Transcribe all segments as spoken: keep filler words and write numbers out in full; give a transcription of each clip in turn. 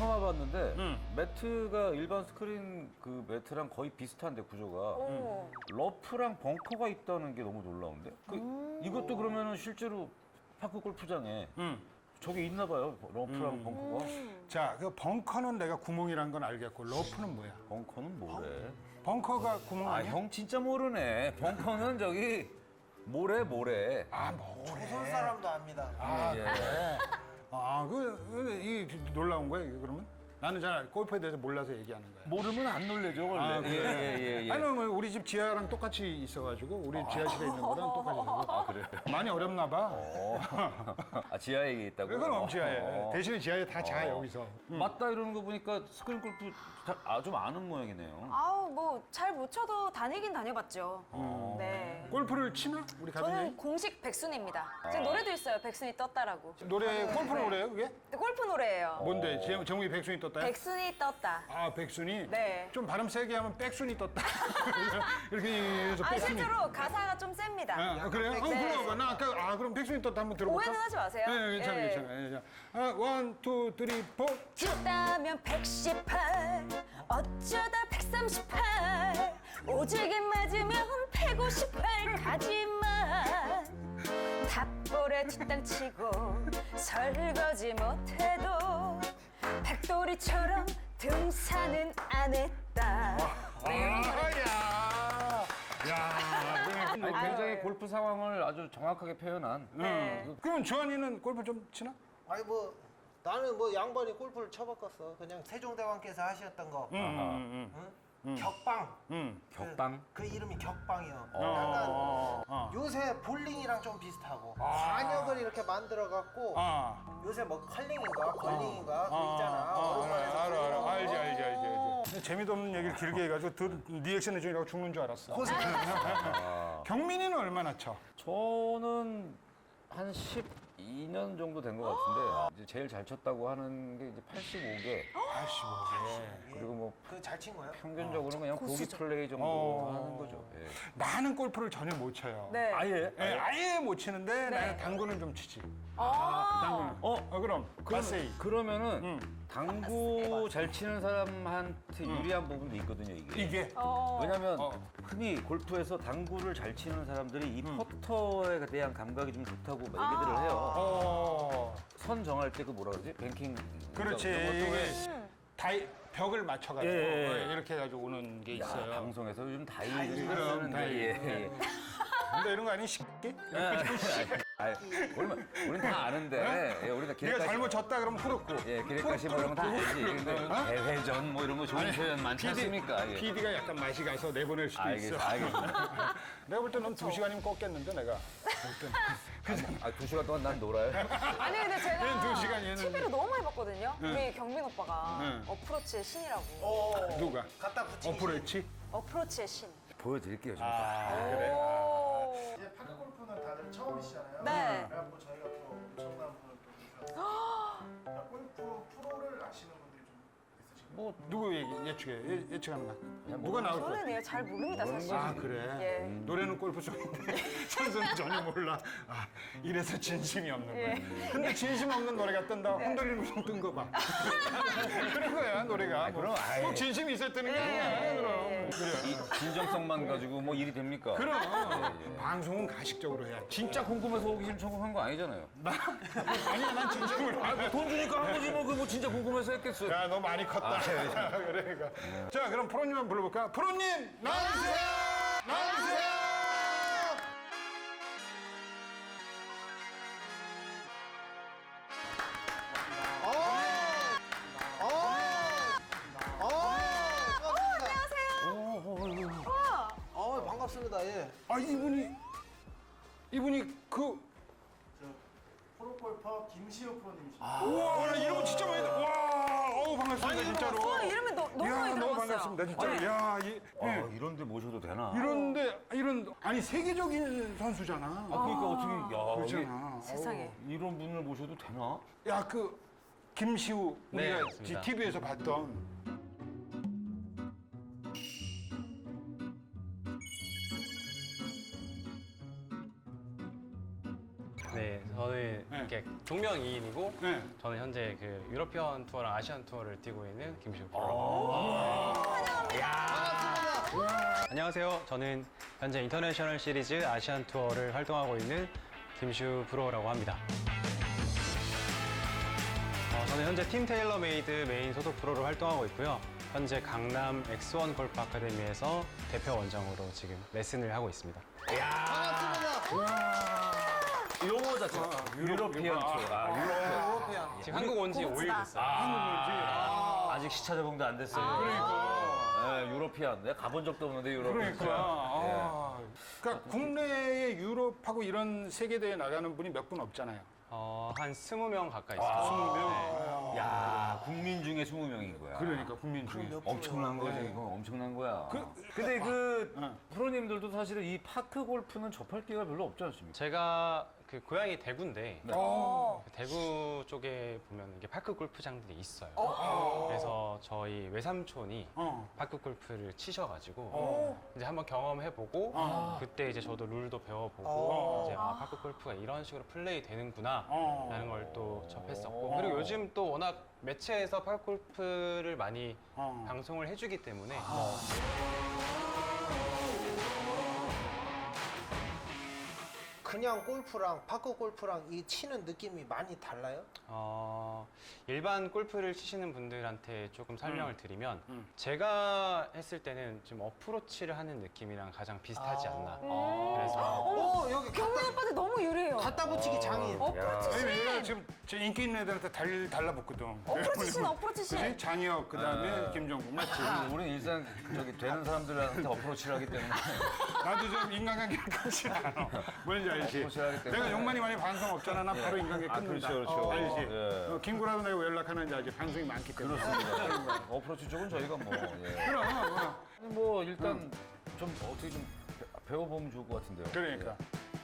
처음 와봤는데 음. 매트가 일반 스크린 그 매트랑 거의 비슷한데 구조가 오. 러프랑 벙커가 있다는 게 너무 놀라운데? 그, 이것도 그러면은 실제로 파크 골프장에 음. 저게 있나 봐요. 러프랑 벙커가. 자, 그 벙커는 내가 구멍이란 건 알겠고 러프는 뭐야? 벙커는 뭐래? 벙커가 구멍 아, 아니야? 형 진짜 모르네. 벙커는 저기 모래 모래. 아, 뭐래? 조선 사람도 압니다. 아, 예. 그래. 아, 그, 그, 이 놀라운 거야, 이게 그러면? 나는 잘 골프에 대해서 몰라서 얘기하는 거야. 모르면 안 놀래죠, 원래. 아, 그래? 예, 예, 예, 예. 아니, 뭐 우리 집 지하랑 똑같이 있어가지고 우리 지하실에 있는 거랑 똑같이 있어서 아, 그래요? 많이 어렵나 봐. 어. 아, 지하에 있다고? 그건 지하에. 어. 대신에 지하에 다 자, 어. 여기서. 맞다 이러는 거 보니까 스크린 골프 다- 아, 좀 아는 모양이네요. 아우 뭐 잘 못 쳐도 다니긴 다녀봤죠. 네. 골프를 치나? 우리 저는 가족이? 공식 백순입니다. 제 노래도 있어요. 백순이 떴다라고. 노래, 골프 네. 노래예요, 그게? 근데 골프 노래예요. 뭔데? 제- 제목이 백순이 떴다요? 백순이 떴다. 아, 백순이? 네. 좀 발음 세게 하면 백순이 떴다. 이렇게 해서 아 백순이. 실제로 가사가 좀 셉니다. 아, 그래요? 어, 네. 그럼 나 아까 아 그럼 백순이 떴다 한번 들어볼까? 오해는 하지 마세요. 네, 괜찮아, 예. 괜찮아. 괜찮아. 아, 원, 투, 쓰리, 포. 쳤다면 백십팔 어쩌다 백삼십팔 오지게 맞으면 백오십팔 가지만 탑볼에 뒷땅 치고 설거지 못해도 백돌이처럼 등산은 안 했다. 네. 아, 야. 야. 아니, 굉장히 골프 상황을 아주 정확하게 표현한. 네. 음. 그럼 주한이는 골프 좀 치나? 아니 뭐 나는 뭐 양반이 골프를 쳐바꿨어. 그냥 세종대왕께서 하셨던 거. 음, 음, 응? 격방. 음. 격방? 그, 그 이름이 격방이요. 어, 약간 어. 요새 볼링이랑 좀 비슷하고 관역을 이렇게 만들어 갖고 아. 요새 뭐 컬링인가 걸링인가 그거 아, 있잖아. 아, 오랜만에 알아, 알아, 그거. 알지, 알지, 알지, 알지. 재미도 없는 얘기를 길게 해가지고 들, 리액션 해주느라고 죽는 줄 알았어. 경민이는 얼마나 쳐? 저는 한 십이 년 정도 된 것 같은데 이제 제일 잘 쳤다고 하는 게 이제 팔십오 개. 팔십오 개. 그리고 뭐 그잘 친 거야? 평균적으로 그냥 보기 고수죠. 플레이 정도 어. 하는 거죠. 예. 나는 골프를 전혀 못 쳐요. 네. 아예? 예, 아예 못 치는데 네. 나는 당구는 좀 치지. 아. 당구는. 어? 어, 그럼. 가세이. 그러면은 음. 당구 잘 치는 사람한테 유리한 부분도 있거든요, 이게. 이게. 어. 왜냐면 어. 흔히 골프에서 당구를 잘 치는 사람들이 이 퍼터에 대한 감각이 좀 좋다고 얘기들을 해요. 어. 선 정할 때 그 뭐라 그러지? 뱅킹. 그렇지. 이런 것도 왜 이게 다이, 벽을 맞춰가지고 예, 예, 예. 어, 이렇게 해가지고 오는 게 야, 있어요. 방송에서 요즘 다이를 그럼, 쓰는데 다이. 예, 예. 근데 이런 거 아니 쉽게? 아니, 우리는, 우리는 다 아는데 예, 우리가 네가 기획가시 잘못 쳤다 그러면 후루꾸. 예, 기획가시 뭐 이런 거 다 알지. 근데 대회전 뭐 이런 거 좋은 표현 많지 않습니까? 예. 피디가 약간 맛이 가서 내보낼 수도 알겠, 있어. 알겠습니다. 내가 볼 때 넌 두 시간이면 꺾겠는데 내가. 아, 두 시간 동안 난 놀아요? 아니 근데 얘는 제가 두 시간, 얘는- 티비로 너무 많이 봤거든요. 우리 경민 오빠가 응. 어프로치의 신이라고. 어. 누가? 갖다 붙이기. 어프로치? 어프로치의 신. 보여드릴게요, 좀. 아, 오. 이제 파크 골프는 다들 처음이시잖아요. 네. 그래갖고 저희가 또 엄청난 분을 또 모셔서 골프 프로를 아시는 분들이 좀 있으신가요? 뭐, 누구 얘기, 예측해? 예, 예측하는 거. 그냥 누가 뭐- 나올 거야? 저는 얘 잘 모릅니다 사실. 아, 그래? 예. 노래는 골프송인데 선수는 전혀 몰라. 아, 이래서 진심이 없는 거야. 예. 근데 진심 없는 노래가 뜬다. 흔들리는 우성 뜬거 봐. 그런 거야, 노래가. 뭐, 그럼 아예. 꼭 진심이 있어야 뜨는 게 아니야, 그럼. 그래. 이 진정성만 가지고 뭐 일이 됩니까? 그럼 예, 예. 방송은 가식적으로 해야 지 진짜 궁금해서 오기 신청한 거 아니잖아요. 아니야, 난 진심으로. 아, 돈 주니까 한 거지 뭐, 그 뭐 진짜 궁금해서 했겠어요. 야, 너 많이 컸다. 그러니까. 자, 그럼 프로님 한번 불러볼까? 프로님, 나와주세요! 나와주세요! 어 반갑습니다. 예. 아, 이분이, 이분이 그, 저 프로골퍼 김시우 프로님이십니다. 아. 우와, 나 이런 거 진짜 많이, 들- 와, 어우, 반갑습니다, 진짜로. 어, 이름이 너, 너무 이야, 많이 너무 들어봤어요. 반갑습니다, 진짜로. 야, 이, 아, 예. 이런데 모셔도 되나? 이런데, 이런, 아니, 세계적인 선수잖아. 아, 그러니까 어떻게, 야, 그렇잖아. 세상에. 이게 이런 분을 모셔도 되나? 야, 그, 김시우, 네, 우리가 맞습니다. 티비에서 봤던. 네, 저 저는 네. 이렇게 동명이인이고 네. 저는 현재 그 유러피언 투어랑 아시안 투어를 뛰고 있는 김시우 아. 프로. 안녕하세요. 저는 현재 인터내셔널 시리즈 아시안 투어를 활동하고 있는 김시우 프로라고 합니다. 어, 저는 현재 팀 테일러메이드 메인 소속 프로로 활동하고 있고요. 현재 강남 엑스원 골프 아카데미에서 대표 원장으로 지금 레슨을 하고 있습니다. 용어 자체가 유러피언 투어. 아, 유러피언. 유러피안. 지금 한국 온 지 오 일 됐어요. 아직 시차 적응도 안 됐어요. 그러니까. 네, 유러피언. 내가 가본 적도 없는데 유러피언. 그러니까. 아. 그러니까 국내에 유럽하고 이런 세계대회 나가는 분이 몇 분 없잖아요. 어, 한 스무 명 가까이 있어요. 스무 명. 야, 국민 중에 스무 명인 거야. 그러니까 국민 중에. 엄청난 거지, 이거 엄청난 거야. 근데 그 응. 프로님들도 사실은 이 파크 골프는 접할 기회가 별로 없지 않습니까? 제가 그 고향이 대구인데 네. 어. 대구 쪽에 보면 이게 파크 골프장들이 있어요. 그래서 저희 외삼촌이 어. 파크 골프를 치셔가지고 어. 이제 한번 경험해보고 어. 그때 이제 저도 룰도 배워보고 어. 이제 아 파크 골프가 이런 식으로 플레이 되는구나 어. 라는 걸 또 접했었고 어. 그리고 요즘 또 워낙 매체에서 파크 골프를 많이 어. 방송을 해주기 때문에 뭐 그냥 골프랑 파크 골프랑 이 치는 느낌이 많이 달라요? 어, 일반 골프를 치시는 분들한테 조금 설명을 드리면 음. 제가 했을 때는 좀 어프로치를 하는 느낌이랑 가장 비슷하지 아. 않나. 음. 그래서 오 여기 경민 갖다, 오빠한테 너무 유리해요. 갖다 붙이기 장인. 어프로치 아니, 얘가 신. 지금 제 인기 있는 애들한테 달, 달라붙거든. 어프로치 신, 어프로치 신. 그지? 장혁, 그 다음에 김정국, 맞지? 우리는 일단 저기 되는 사람들한테 어프로치를 하기 때문에 나도 좀 인간관계를 끊지 않아. 뭔지 알지? 어프로치를 하기 때문에. 내가 욕만이 많이 방송 없잖아. 나 바로 인간관계 아, 끊는다. 그렇죠, 그렇죠. 어, 알지? 예. 어, 김구라도 내가 왜 연락하는지 알지? 방송이 많기 때문에. 그렇습니다. 어프로치 쪽은 저희가 뭐 예. 그럼, 그럼. 아니, 뭐 일단 좀 어떻게 좀 배- 배워보면 좋을 것 같은데요. 그러니까.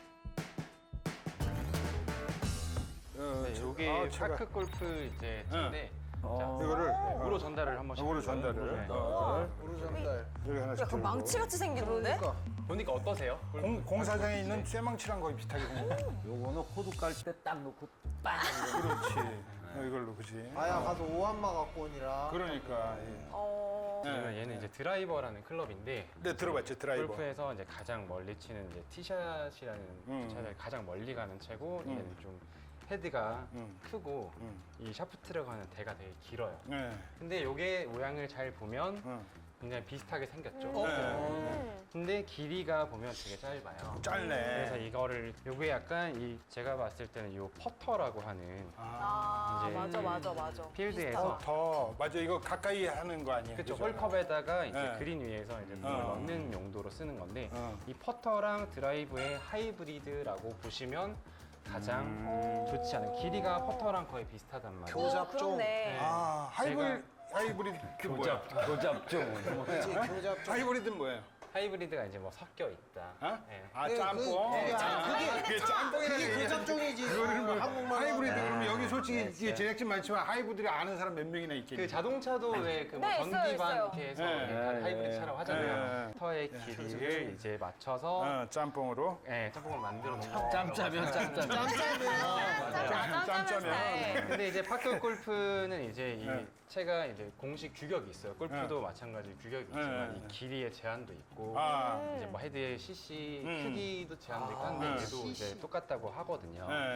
어, 네, 저- 여기 아, 제가 파크 골프 이제 인데 어. 이거를 우로 전달을 한 번씩. 우로 전달을. 네. 어, 우루 전달. 여기 하나씩 약간 들고. 망치같이 생기던데? 그러니까. 보니까 어떠세요? 공, 공사장에 있는 쇠망치랑 거의 비슷하게 생겼어. 요거는 호두 깔 때 딱 놓고 빵. 그렇지. 어, 이걸로, 그지? 아야 가서 오한마 갖고 오니라. 그러니까. 예. 어. 그러면 얘는 이제 드라이버라는 클럽인데 네, 들어봤지, 드라이버. 골프에서 이제 가장 멀리 치는 이제 티샷이라는 음. 샷을 가장 멀리 가는 채고 음. 얘는 좀 헤드가 음. 크고 음. 이 샤프트를 가는 대가 되게 길어요. 네. 근데 요게 모양을 잘 보면 어. 굉장히 비슷하게 생겼죠. 네. 음. 근데 길이가 보면 되게 짧아요. 짧네. 그래서 이거를 요게 약간 이 제가 봤을 때는 요 퍼터라고 하는 아, 이제 맞아, 맞아, 맞아. 필드에서 더 맞아, 이거 가까이 하는 거 아니에요? 그쵸, 그죠? 홀컵에다가 이제 네. 그린 위에서 이제 공을 어. 넣는 용도로 쓰는 건데 어. 이 퍼터랑 드라이브의 하이브리드라고 보시면 가장 음. 좋지 않은 길이가 퍼터랑 거의 비슷하단 말이에요. 교잡종. 그렇네. 아, 하이브리드, 하이브리드 그 뭐야? 교잡죠. 그치, 교잡종. 하이브리드는 뭐예요? 하이브리드가 이제 뭐 섞여 있다. 어? 네. 아, 그, 짬뽕. 그, 그게, 아, 그게, 그게 짬뽕이라는 그게 얘기야. 교잡종이지. 그거를 뭐 한국말. 하이브리드 그러면 여기 솔직히 네, 이게 제작진 많지만 하이브리드 아는 사람 몇 명이나 있겠니? 그 자동차도 왜 그 뭐 네, 있어요, 전기반 있어요. 이렇게 해서 네, 이렇게 네, 하이브리드 네. 차라고 하잖아요. 네. 퍼터의 길이를 이제 맞춰서 어, 짬뽕으로. 네, 짬뽕을 만들어 놓은 거. 짬짜면 짬짜. 짬짜면. 짬짜면 짬짜면. 스타일. 근데 이제 파크 골프는 이제 이 네. 채가 이제 공식 규격이 있어요. 골프도 마찬가지 규격이 있지만 네. 이 길이의 제한도 있고 아, 이제 뭐 헤드의 씨씨 음. 크기도 제한도 있고 아, 한데 네. 얘도 이제 씨씨. 똑같다고 하거든요. 네.